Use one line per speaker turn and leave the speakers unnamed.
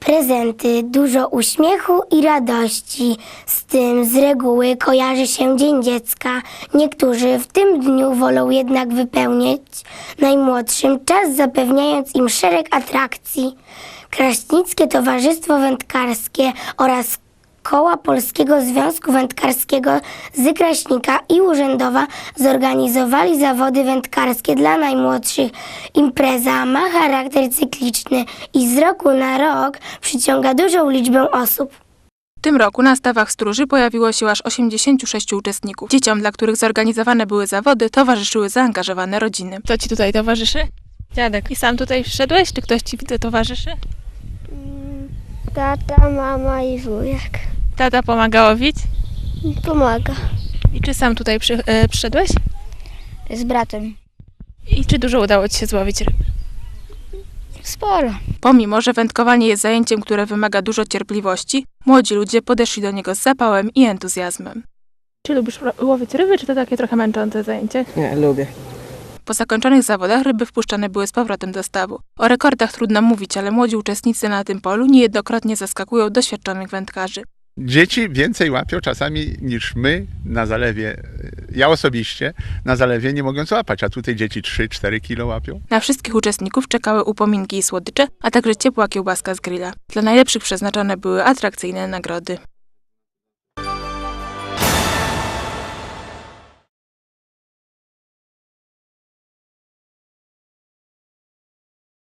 prezenty, dużo uśmiechu i radości. Z tym z reguły kojarzy się Dzień Dziecka. Niektórzy w tym dniu wolą jednak wypełnić najmłodszym czas, zapewniając im szereg atrakcji. Kraśnickie Towarzystwo Wędkarskie oraz Koła Polskiego Związku Wędkarskiego z Kraśnika i Urzędowa zorganizowali zawody wędkarskie dla najmłodszych. Impreza ma charakter cykliczny i z roku na rok przyciąga dużą liczbę osób.
W tym roku na stawach stróży pojawiło się aż 86 uczestników. Dzieciom, dla których zorganizowane były zawody, towarzyszyły zaangażowane rodziny.
Kto ci tutaj towarzyszy? Dziadek. I sam tutaj przyszedłeś, czy ktoś ci towarzyszy?
Tata, mama i wujek.
Tata pomaga łowić?
Pomaga.
I czy sam tutaj przyszedłeś?
Z bratem.
I czy dużo udało ci się złowić ryb?
Sporo.
Pomimo, że wędkowanie jest zajęciem, które wymaga dużo cierpliwości, młodzi ludzie podeszli do niego z zapałem i entuzjazmem.
Czy lubisz łowić ryby, czy to takie trochę męczące zajęcie?
Nie, lubię.
Po zakończonych zawodach ryby wpuszczane były z powrotem do stawu. O rekordach trudno mówić, ale młodzi uczestnicy na tym polu niejednokrotnie zaskakują doświadczonych wędkarzy.
Dzieci więcej łapią czasami niż my na zalewie. Ja osobiście na zalewie nie mogę złapać, a tutaj dzieci 3-4 kilo łapią.
Na wszystkich uczestników czekały upominki i słodycze, a także ciepła kiełbaska z grilla. Dla najlepszych przeznaczone były atrakcyjne nagrody.